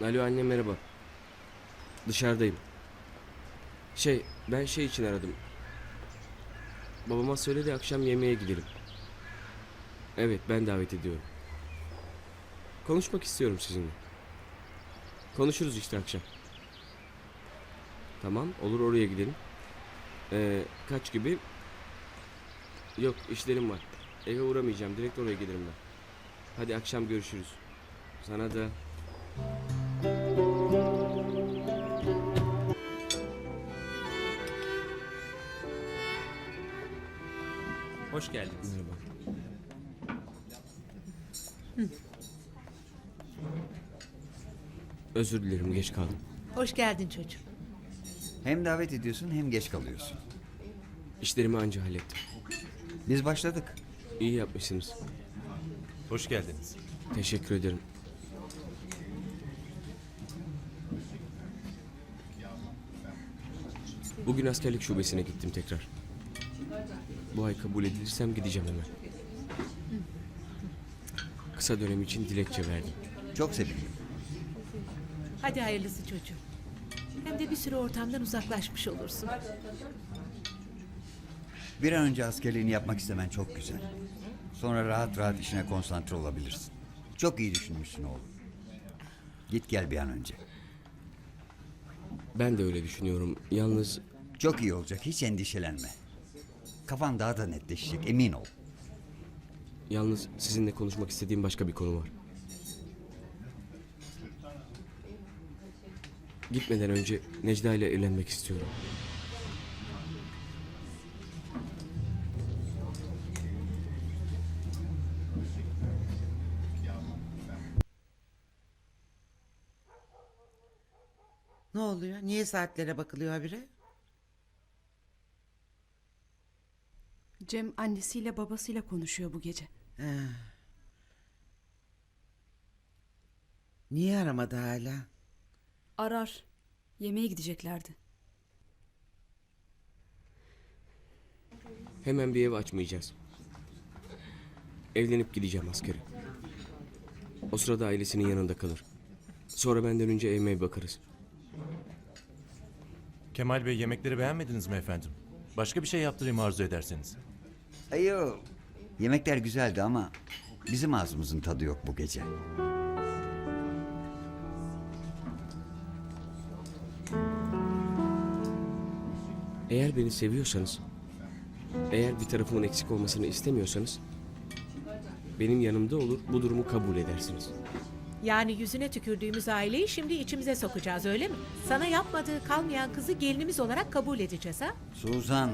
Alo anne merhaba. Dışarıdayım. Ben için aradım. Babama söyledi akşam yemeğe gidelim. Evet ben davet ediyorum. Konuşmak istiyorum sizinle. Konuşuruz işte akşam. Tamam olur oraya gidelim. Kaç gibi? Yok işlerim var. Eve uğramayacağım direkt oraya gelirim ben. Hadi akşam görüşürüz. Sana da. Hoş geldiniz. Merhaba. Özür dilerim geç kaldım. Hoş geldin çocuğum. Hem davet ediyorsun hem geç kalıyorsun. İşlerimi anca hallettim. Biz başladık. İyi yapmışsınız. Hoş geldiniz. Teşekkür ederim. Bugün askerlik şubesine gittim tekrar. Bu ay kabul edilirsem gideceğim hemen. Kısa dönem için dilekçe verdim. Çok sevindim. Hadi hayırlısı çocuğum. Hem de bir süre ortamdan uzaklaşmış olursun. Bir an önce askerliğini yapmak istemen çok güzel. Sonra rahat rahat işine konsantre olabilirsin. Çok iyi düşünmüşsün oğlum. Git gel bir an önce. Ben de öyle düşünüyorum. Yalnız Çok iyi olacak, hiç endişelenme. Kafan daha da netleşecek, emin ol. sizinle konuşmak istediğim başka bir konu var. Gitmeden önce Necla ile evlenmek istiyorum. Ne oluyor? Niye saatlere bakılıyor habire? Cem annesiyle babasıyla konuşuyor bu gece. Ha. Niye aramadı hala? Arar. Yemeğe gideceklerdi. Hemen bir ev açmayacağız. Evlenip gideceğim askere. O sırada ailesinin yanında kalır. Sonra benden önce evime bakarız. Kemal Bey yemekleri beğenmediniz mi efendim? Başka bir şey yaptırayım arzu ederseniz. Ayo, yemekler güzeldi ama bizim ağzımızın tadı yok bu gece. Eğer beni seviyorsanız, eğer bir tarafımın eksik olmasını istemiyorsanız, benim yanımda olur, bu durumu kabul edersiniz. Yani yüzüne tükürdüğümüz aileyi şimdi içimize sokacağız öyle mi? Sana yapmadığı kalmayan kızı gelinimiz olarak kabul edeceğiz ha? Suzan.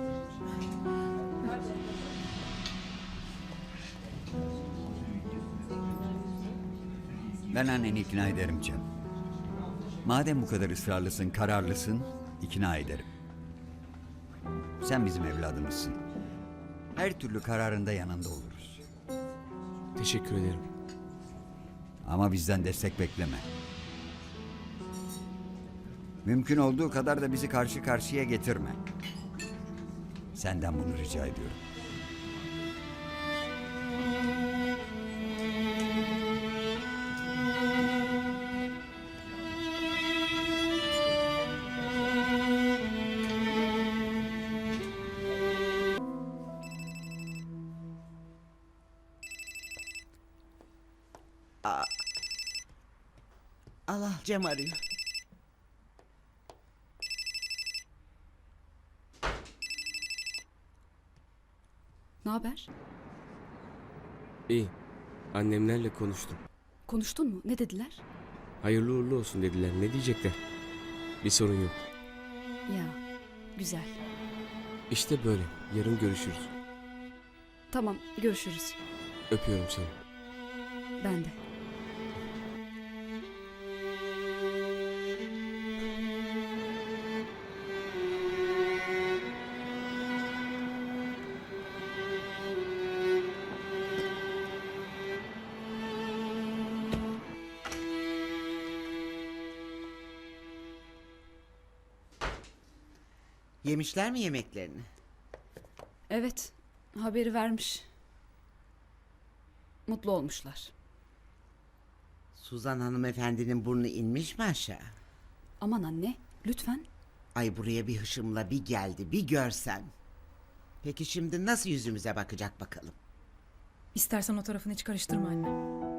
Ben anneni ikna ederim Cem. Madem bu kadar ısrarlısın, kararlısın, ikna ederim. Sen bizim evladımızsın. Her türlü kararında yanında oluruz. Teşekkür ederim. Ama bizden destek bekleme. Mümkün olduğu kadar da bizi karşı karşıya getirme. Senden bunu rica ediyorum. Allah Cem arıyor. Ne haber? İyi. Annemlerle konuştum. Konuştun mu? Ne dediler? Hayırlı uğurlu olsun dediler. Ne diyecekler? Bir sorun yok. Ya, güzel. İşte böyle. Yarın görüşürüz. Tamam, görüşürüz. Öpüyorum seni. Ben de. Yemişler mi yemeklerini? Evet, haberi vermiş. Mutlu olmuşlar. Suzan hanımefendinin burnu inmiş mi aşağı? Aman anne, lütfen. Ay buraya bir hışımla bir geldi, bir görsen. Peki şimdi nasıl yüzümüze bakacak bakalım? İstersen o tarafını hiç karıştırma anne.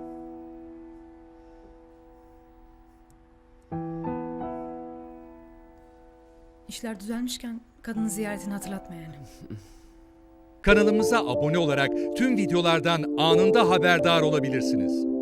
İşler düzelmişken kadının ziyaretini hatırlatma yani. Kanalımıza abone olarak tüm videolardan anında haberdar olabilirsiniz.